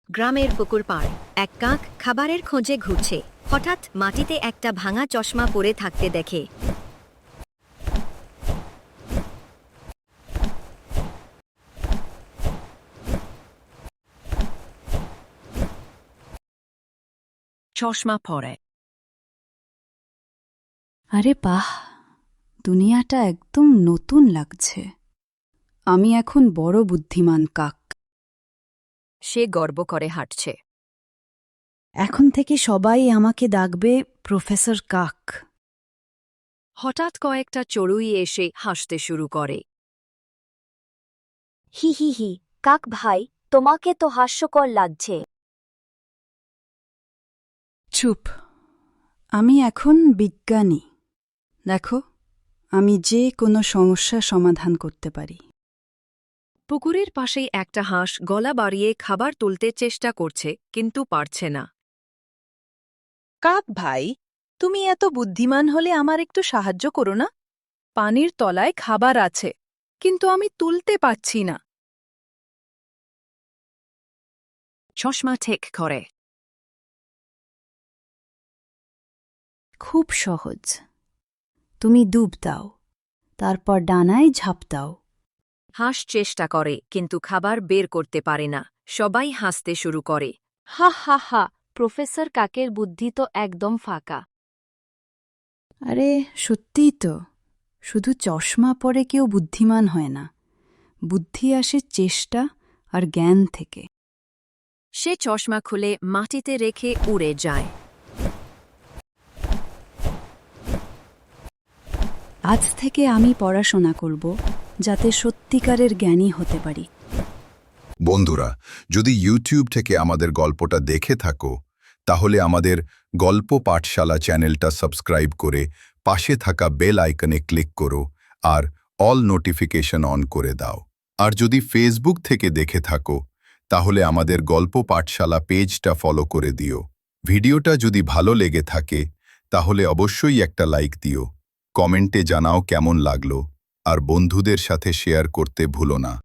গ্রামের পুকুর পাড় এক কাক খাবারের খোঁজে ঘুরছে। হঠাৎ মাটিতে একটা ভাঙা চশমা পরে থাকতে দেখে। চশমা পরে। আরে বাহ, দুনিয়াটা একদম নতুন লাগছে। আমি এখন বড় বুদ্ধিমান কাক। সে গর্ব করে হাঁটছে। এখন থেকে সবাই আমাকে ডাকবে প্রফেসর কাক। হঠাৎ কয়েকটা চড়ুই এসে হাসতে শুরু করে। হি হি হি, কাক ভাই, তোমাকে তো হাস্যকর লাগছে। চুপ, আমি এখন বিজ্ঞানী। দেখো, আমি যে কোনো সমস্যা সমাধান করতে পারি। পুকুরের পাশেই একটা হাঁস গলা বাড়িয়ে খাবার তুলতে চেষ্টা করছে, কিন্তু পারছে না। কাক ভাই, তুমি এত বুদ্ধিমান হলে আমার একটু সাহায্য করো না? পানির তলায় খাবার আছে, কিন্তু আমি তুলতে পারছি না। চশমা ঠিক করে। খুব সহজ। তুমি ডুব দাও, তারপর ডানায় ঝাঁপ দাও। হাঁস চেষ্টা করে, কিন্তু খাবার বের করতে পারে না। সবাই হাসতে শুরু করে। হা হা হা, প্রফেসর কাকের বুদ্ধি তো একদম ফাঁকা। আরে সত্যিই তো, শুধু চশমা পরে কেউ বুদ্ধিমান হয় না। বুদ্ধি আসে চেষ্টা আর জ্ঞান থেকে। সে চশমা খুলে মাটিতে রেখে উড়ে যায়। আজ থেকে আমি পড়াশোনা করব, যাতে সত্যিকারের জ্ঞানী হতে পারি। বন্ধুরা, যদি ইউটিউব থেকে আমাদের গল্পটা দেখে থাকো, তাহলে আমাদের গল্প পাঠশালা চ্যানেলটা সাবস্ক্রাইব করে পাশে থাকা বেল আইকনে ক্লিক করো আর অল নোটিফিকেশন অন করে দাও। আর যদি ফেসবুক থেকে দেখে থাকো, তাহলে আমাদের গল্প পাঠশালা পেজটা ফলো করে দিও। ভিডিওটা যদি ভালো লেগে থাকে, তাহলে অবশ্যই একটা লাইক দিও। কমেন্টে জানাও কেমন লাগলো, আর বন্ধুদের সাথে শেয়ার করতে ভুলো না।